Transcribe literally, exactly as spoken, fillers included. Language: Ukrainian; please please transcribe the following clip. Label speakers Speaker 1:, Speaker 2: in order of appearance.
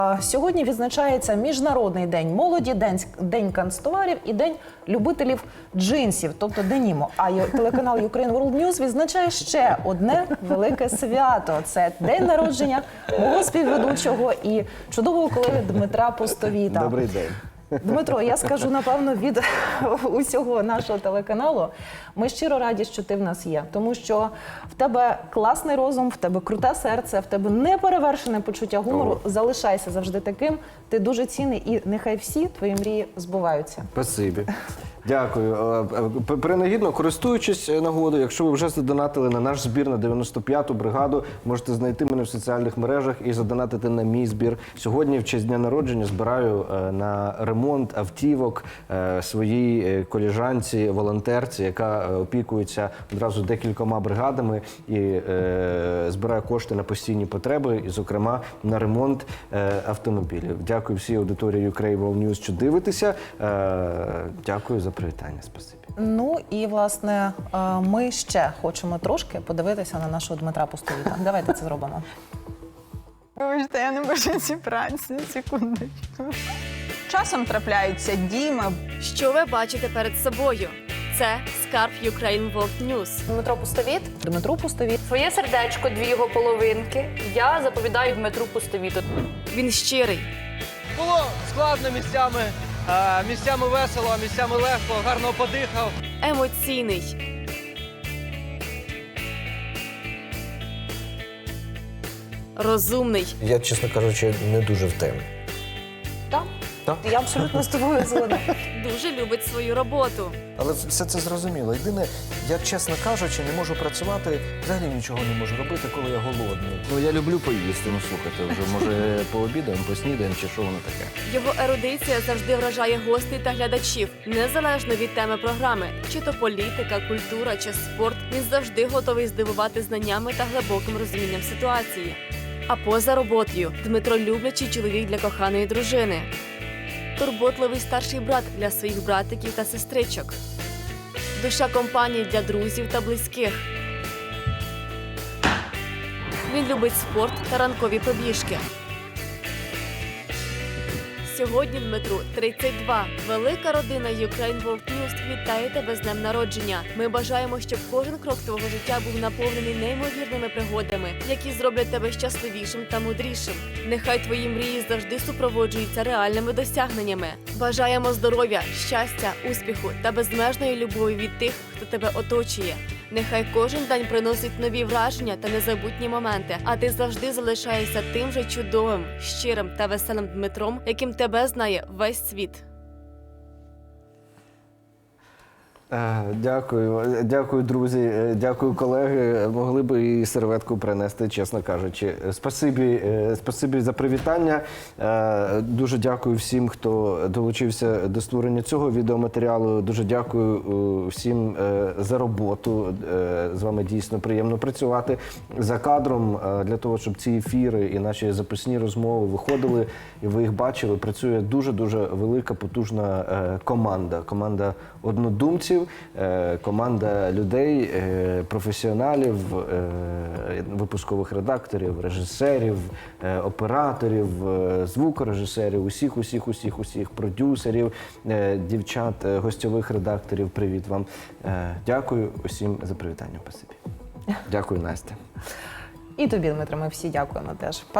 Speaker 1: Сьогодні відзначається Міжнародний день молоді, день, день канцтоварів і день любителів джинсів, тобто денімо. А й- телеканал Ukraine World News відзначає ще одне велике свято. Це день народження мого співведучого і чудового колеги Дмитра Постовіта.
Speaker 2: Добрий день.
Speaker 1: Дмитро, я скажу, напевно, від усього нашого телеканалу, ми щиро раді, що ти в нас є. Тому що в тебе класний розум, в тебе круте серце, в тебе неперевершене почуття гумору.
Speaker 2: О.
Speaker 1: Залишайся завжди таким. Ти дуже цінний і нехай всі твої мрії збуваються.
Speaker 2: Спасибі. Дякую. Е, е, Принагідно, користуючись нагодою, якщо ви вже задонатили на наш збір на дев'яносто п'яту бригаду, можете знайти мене в соціальних мережах і задонатити на мій збір. Сьогодні, в честь дня народження, збираю е, на ремонт автівок е, своїй е, колежанці, волонтерці, яка е, опікується одразу декількома бригадами і е, збирає кошти на постійні потреби, і, зокрема, на ремонт е, автомобілів. Дякую всій аудиторії Ukraine World News, що дивитеся. Е, дякую за привітання, спасибі.
Speaker 1: Ну і, власне, е, ми ще хочемо трошки подивитися на нашого Дмитра Постовіта. Давайте це зробимо.
Speaker 3: Вибачте, я не можу зібратися, секундочку. Часом трапляються діми.
Speaker 4: Що ви бачите перед собою? Це скарб Ukraine World News.
Speaker 5: Дмитро Пустовіт.
Speaker 1: Дмитру Постовіт.
Speaker 5: Своє сердечко, дві його половинки. Я заповідаю Дмитру Пустовіту.
Speaker 4: Він щирий,
Speaker 6: Було складно місцями, а, місцями весело, а місцями легко, гарно подихав.
Speaker 4: емоційний, розумний,
Speaker 7: Я, чесно кажучи, не дуже в темі.
Speaker 1: Так?
Speaker 7: Так.
Speaker 1: Я абсолютно з тобою згодна.
Speaker 4: дуже любить свою роботу.
Speaker 7: Але все це зрозуміло. Єдине, я, чесно кажучи, не можу працювати, взагалі нічого не можу робити, коли я голодний.
Speaker 2: Ну, я люблю поїсти, ну, слухайте, вже, може, пообідаємо, поснідаємо, чи що воно таке.
Speaker 4: Його ерудиція завжди вражає гостей та глядачів, незалежно від теми програми. Чи то політика, культура чи спорт, він завжди готовий здивувати знаннями та глибоким розумінням ситуації. А поза роботою Дмитро люблячий чоловік для коханої дружини. Турботливий старший брат для своїх братиків та сестричок. Душа компанії для друзів та близьких. Він любить спорт та ранкові пробіжки. Сьогодні Дмитру тридцять два. Велика родина Ukraine World News вітає тебе з днем народження. Ми бажаємо, щоб кожен крок твого життя був наповнений неймовірними пригодами, які зроблять тебе щасливішим та мудрішим. Нехай твої мрії завжди супроводжуються реальними досягненнями. Бажаємо здоров'я, щастя, успіху та безмежної любові від тих, хто тебе оточує. Нехай кожен день приносить нові враження та незабутні моменти, а ти завжди залишаєшся тим же чудовим, щирим та веселим Дмитром, яким тебе знає весь світ.
Speaker 2: Е, Дякую, дякую, друзі, е, дякую, колеги. Могли б і серветку принести, чесно кажучи. Спасибі, е, спасибі за привітання. Е, Дуже дякую всім, хто долучився до створення цього відеоматеріалу. Дуже дякую е, всім е, за роботу. Е, З вами дійсно приємно працювати за кадром, е, для того, щоб ці ефіри і наші записні розмови виходили, і ви їх бачили. Працює дуже-дуже велика, потужна е, команда. Команда однодумців, е, команда людей, е, професіоналів, е, випускових редакторів, режисерів, е, операторів, е, звукорежисерів, усіх, усіх, усіх, усіх, продюсерів, е, дівчат, е, гостьових редакторів. Привіт вам. Е, Дякую усім за привітання. Спасибі. Дякую, Настя.
Speaker 1: І тобі, Дмитро, ми всі дякуємо теж.